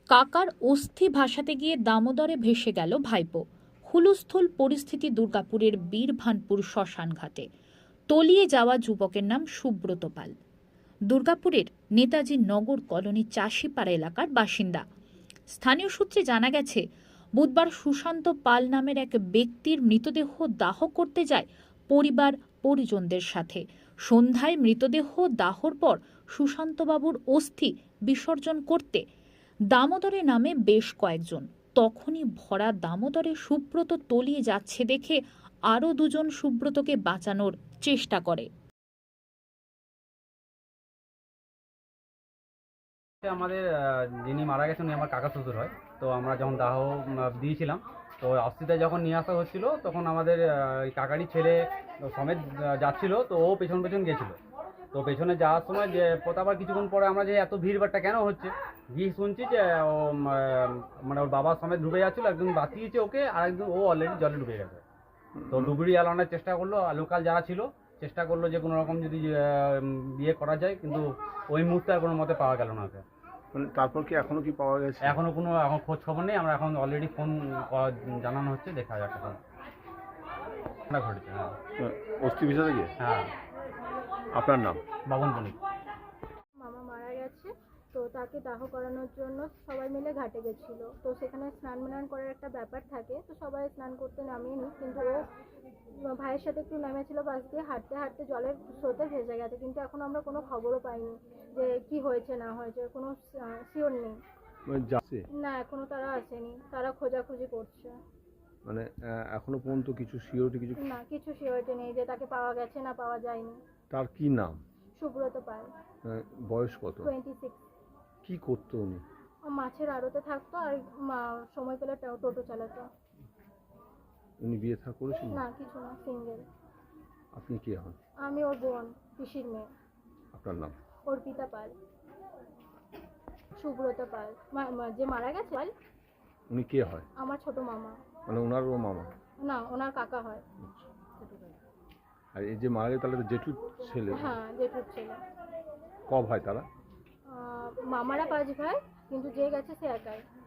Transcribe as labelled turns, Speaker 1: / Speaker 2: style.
Speaker 1: কাকার অস্থি ভাসাতে গিয়ে দামোদরে ভেসে গেল ভাইপো। হুলস্থুল পরিস্থিতি দুর্গাপুরের বীরভানপুর শ্মশানঘাটে। তলিয়ে যাওয়া যুবকের নাম সুব্রত পাল। দুর্গাপুরের নেতাজি নগর কলোনি চাষিপাড়া এলাকার বাসিন্দা। স্থানীয় সূত্রে জানা গেছে, বুধবার সুশান্ত পাল নামের এক ব্যক্তির মৃতদেহ দাহ করতে যায় পরিবার পরিজনদের সাথে। সন্ধ্যায় মৃতদেহ দাহর পর সুশান্তবাবুর অস্থি বিসর্জন করতে দামোদরে নামে বেশ কয়েকজন। তখনই ভরা দামোদরে সুব্রত তলিয়ে যাচ্ছে দেখে আরও দুজন সুব্রতকে বাঁচানোর চেষ্টা করে।
Speaker 2: আমাদের যিনি মারা গেছেন উনি আমার কাকা শ্বশুর হয়। তো আমরা যখন দাহ দিয়েছিলাম, তো অস্থিটা যখন নিয়ে আসা হচ্ছিল তখন আমাদের কাকারই ছেলে সমেত যাচ্ছিল। তো ও পেছন পেছন গেছিলো। তো পেছনে যাওয়ার সময় যে আবার কিছুক্ষণ পরে আমরা যে এত ভিড়ভাড়টা কেন হচ্ছে গিয়ে শুনছি যে ও মানে ওর বাবা সমেত ডুবে যাচ্ছিলো। একজন বাঁচিয়েছে ওকে, আর একজন ও অলরেডি জলে ডুবে গেছে। তো ডুবুরি আলানোর চেষ্টা করলো, লোকাল যারা ছিল চেষ্টা করলো যে কোনো রকম যদি বিয়ে করা যায়, কিন্তু ওই মুহূর্তে আর কোনো মতে পাওয়া গেল না ওকে।
Speaker 3: মানে তারপর কি এখনো কি পাওয়া গেছে?
Speaker 2: এখনো কোনো এখন খোঁজ খবর নেই। আমরা এখন অলরেডি ফোন জানানো হচ্ছে, দেখা যাক এখন ঘটেছে। হ্যাঁ,
Speaker 3: অস্থি ভিসাতে গিয়ে।
Speaker 2: হ্যাঁ।
Speaker 3: আপনার নাম?
Speaker 2: বাবন বণিক।
Speaker 4: মামা মারা গেছে, তো তাকে দাহ করানোর জন্য সবাই মিলে ঘাটে গেছিলো। তো সেখানে স্নান করার একটা ব্যাপার থাকে, তো সবাই স্নান করতে নামেনি, কিন্তু ও ভাইয়ের সাথে একটু নেমেছিল পাশ দিয়ে, হাঁটতে হাঁটতে জলের স্রোতে ভেসে গেছে। কিন্তু এখন আমরা কোনো খবরও পাইনি যে কি হয়েছে না হয়েছে, কোনো শিওর নেই। না, এখনো তারা আসেনি, তারা খোঁজাখুঁজি করছে।
Speaker 3: মানে এখনো পর্যন্ত কিছু সিওরিটি
Speaker 4: না, কিছু সিওরিটি নেই যে তাকে পাওয়া গেছে না পাওয়া যায়নি।
Speaker 3: তার কি নাম?
Speaker 4: সুব্রত পাল।
Speaker 3: বয়স কত?
Speaker 4: 26।
Speaker 3: কি করতো উনি?
Speaker 4: মাছের আড়তে থাকতো, আর সময় পেলে টোটো চালাতো।
Speaker 3: উনি বিয়ে থা করেছেন?
Speaker 4: না, কিছু না, সিঙ্গেল।
Speaker 3: আপনি কে হন?
Speaker 4: আমি ওর বোন, পিসির মেয়ে।
Speaker 3: আপনার নাম?
Speaker 4: অর্পিতা পাল। সুব্রত পাল যে মারা গেছে পাল,
Speaker 3: উনি কে হয়?
Speaker 4: আমার ছোট মামা।
Speaker 3: মানে ওনারও মামা?
Speaker 4: না, ওনার কাকা হয়।
Speaker 3: আর এই যে মারা গেছে তাহলে তো জেঠুর ছেলে?
Speaker 4: হ্যাঁ, জেঠুর ছেলে।
Speaker 3: ক ভাই তারা?
Speaker 4: মামারা 5 ভাই, কিন্তু যে গেছে সে একাই।